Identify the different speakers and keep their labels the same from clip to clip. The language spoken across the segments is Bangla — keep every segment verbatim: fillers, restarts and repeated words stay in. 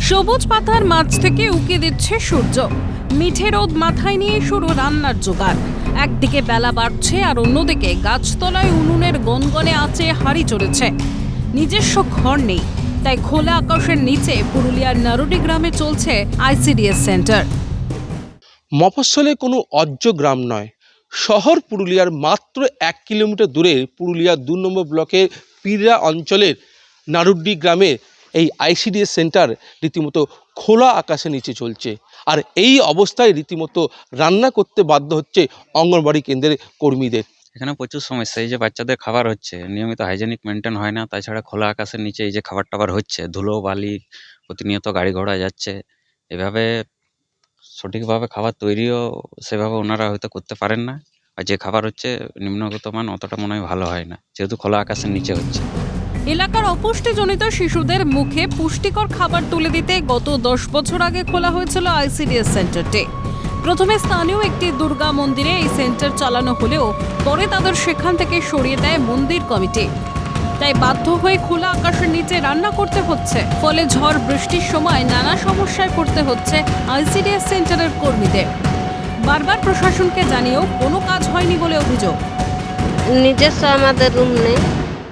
Speaker 1: সবুজ পাতার মাছ থেকে উকি দিচ্ছে সূর্য, মিঠে রোদ মাথায় নিয়ে শুরু রান্নার জোগাড়। একদিকে বেলা বাড়ছে আর অন্যদিকে গাছতলায় উনুনের গনগনে আঁচে হাঁড়ি চড়েছে। নিজস্ব ঘর নেই, তাই খোলা আকাশের নিচে পুরুলিয়ার নারুডি গ্রামে চলছে আইসিডিএস সেন্টার।
Speaker 2: মফস্বলে কোনো অজ্য গ্রাম নয়, শহর পুরুলিয়ার মাত্র এক কিলোমিটার দূরে পুরুলিয়ার দু নম্বর ব্লকের পিররা অঞ্চলের নারুড্ডি গ্রামে এই আইসিডিএস সেন্টার রীতিমতো খোলা আকাশের নিচে চলছে। আর এই অবস্থায় রীতিমতো রান্না করতে বাধ্য হচ্ছে অঙ্গনবাড়ি কেন্দ্রের কর্মীদের।
Speaker 3: এখানে প্রচুর সমস্যা, এই যে বাচ্চাদের খাবার হচ্ছে নিয়মিত হাইজেনিক মেনটেন হয় না, তাছাড়া খোলা আকাশের নিচে এই যে খাবার টাবার হচ্ছে, ধুলো বালি প্রতিনিয়ত গাড়ি ঘোড়া যাচ্ছে, এভাবে সঠিকভাবে খাবার তৈরিও সেভাবে ওনারা হয়তো করতে পারেন না। আর যে খাবার হচ্ছে নিম্নগত মান অতটা মনে হয় ভালো হয় না, যেহেতু খোলা আকাশের নিচে হচ্ছে।
Speaker 1: এলাকার অপুষ্টিজনিত শিশুদের মুখে পুষ্টিকর খাবার তুলে দিতে গত দশ বছর আগে খোলা হয়েছিল আইসিডিএস সেন্টারটি। প্রথমে স্থানীয় একটি দুর্গা মন্দিরে এই সেন্টার চালানো হলেও পরে তাদের সেখান থেকে সরিয়ে দেয় মন্দির কমিটি। তাই বাধ্য হয়ে খোলা আকাশের নিচে রান্না করতে হচ্ছে, ফলে ঝড় বৃষ্টির সময় নানা সমস্যায় পড়তে হচ্ছে আইসিডিএস সেন্টারের কর্মীদের। বারবার প্রশাসনকে জানিয়েও কোনো কাজ হয়নি বলে অভিযোগ।
Speaker 4: নিজস্ব আমাদের রুম নেই।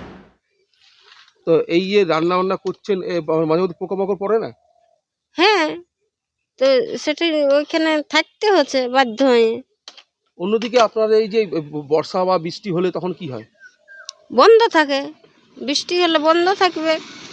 Speaker 2: তো এই যে রান্না বান্না করছেন, মাঝে মধ্যে পোকামাকড় পড়ে না?
Speaker 4: হ্যাঁ, তো সেটা ওইখানে থাকতে হচ্ছে বাধ্য হয়ে।
Speaker 2: অন্যদিকে আপনার এই যে বর্ষা বা বৃষ্টি হলে তখন কি হয়?
Speaker 4: বন্ধ থাকে, বৃষ্টি হলে বন্ধ থাকবে।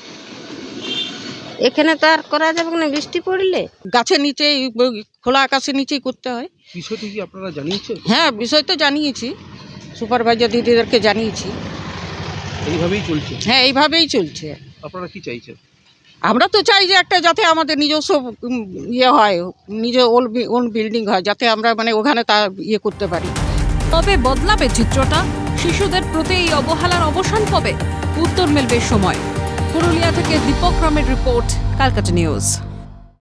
Speaker 4: এখানে তো আর করা যাবে না বৃষ্টি পড়লে।
Speaker 5: গাছের নিচে খোলা আকাশের নিচেই করতে হয়।
Speaker 2: বিষয়টি কি আপনারা জানিয়েছেন?
Speaker 5: হ্যাঁ, বিষয় তো জানিয়েছি, সুপারভাইজার দিদিদেরকে জানিয়েছি।
Speaker 2: এইভাবেই চলছে?
Speaker 5: হ্যাঁ, এইভাবেই চলছে।
Speaker 2: আপনারা কি চাইছেন?
Speaker 5: আমরা তো চাই যে একটা যাতে আমাদের নিজস্ব উম, ইয়ে হয়, নিজ ওন বিল্ডিং হয়, যাতে আমরা মানে ওখানে তা ইয়ে করতে পারি।
Speaker 1: তবে বদলাবে চিত্রটা? শিশুদের প্রতি এই অবহেলার অবসান কবে? উত্তর মিলবে সময়। পুরুলিয়া থেকে দীপক রামের রিপোর্ট, ক্যালকাটা নিউজ।